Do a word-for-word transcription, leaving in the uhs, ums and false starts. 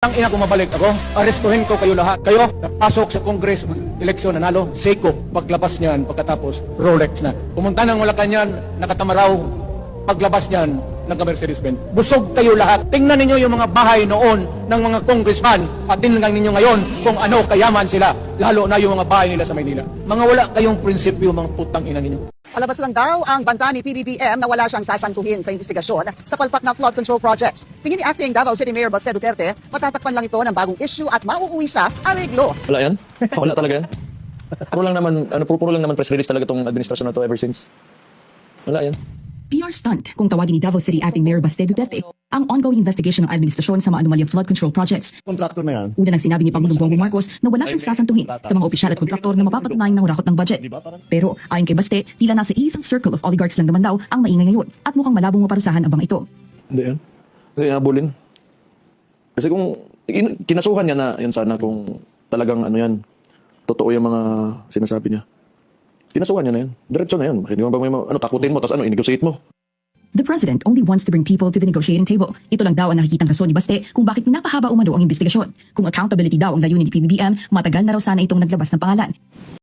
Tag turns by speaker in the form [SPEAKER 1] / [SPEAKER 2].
[SPEAKER 1] Ang ina kung mabalik ako, arestuhin ko kayo lahat. Kayo, napasok sa Congress, eleksyon, nanalo, Seiko, paglabas niyan, pagkatapos, Rolex na. Pumunta ng Malacanang, nakatamaraw, paglabas niyan, nagka-Mercedes-Benz. Busog kayo lahat. Tingnan ninyo yung mga bahay noon ng mga congressman at tingnan ninyo ngayon kung ano kayaman sila, lalo na yung mga bahay nila sa Maynila. Mga wala kayong prinsipyo, mga putang ina ninyo.
[SPEAKER 2] Palabas lang daw ang banta ni P B B M na wala siyang sasantuhin sa investigasyon sa palpak na flood control projects. Tingin ni Acting Davao City Mayor Baste Duterte, matatakpan lang ito ng bagong issue at mauuwi sa areglo.
[SPEAKER 3] Wala yan? Wala talaga yan? Puro lang naman, ano, puro, puro lang naman press release talaga itong administrasyon na to ever since. Wala yan.
[SPEAKER 4] P R stunt kung tawagin ni Davao City Acting Mayor Baste Duterte ang ongoing investigation ng administrasyon sa mga anomalyang flood control projects.
[SPEAKER 5] Kontraktor na yan.
[SPEAKER 4] Una nang sinabi ni Pangulong Bongbong Marcos na wala siyang sasantuhin sa mga opisyal at kontraktor na mapapatunayan ng hurakot ng budget. Pero ayon kay Baste, tila nasa isang circle of oligarchs lang naman daw ang maingay ngayon at mukhang malabong maparusahan ang bang ito.
[SPEAKER 3] Hindi yan. Hindi yan habulin. Kasi kung in- kinasuhan niya na yan sana kung talagang ano yan, totoo yung mga sinasabi niya. Kinasuhan niya na yan. Diretso na yan. Hindi mo ba may ma- ano, takutin mo tapos ano, i-negotiate mo.
[SPEAKER 4] The president only wants to bring people to the negotiating table. Ito lang daw ang nakikitang rason ni Baste kung bakit pinapahaba umano ang investigasyon. Kung accountability daw ang layunin ni P B B M, matagal na raw sana itong naglabas ng pangalan.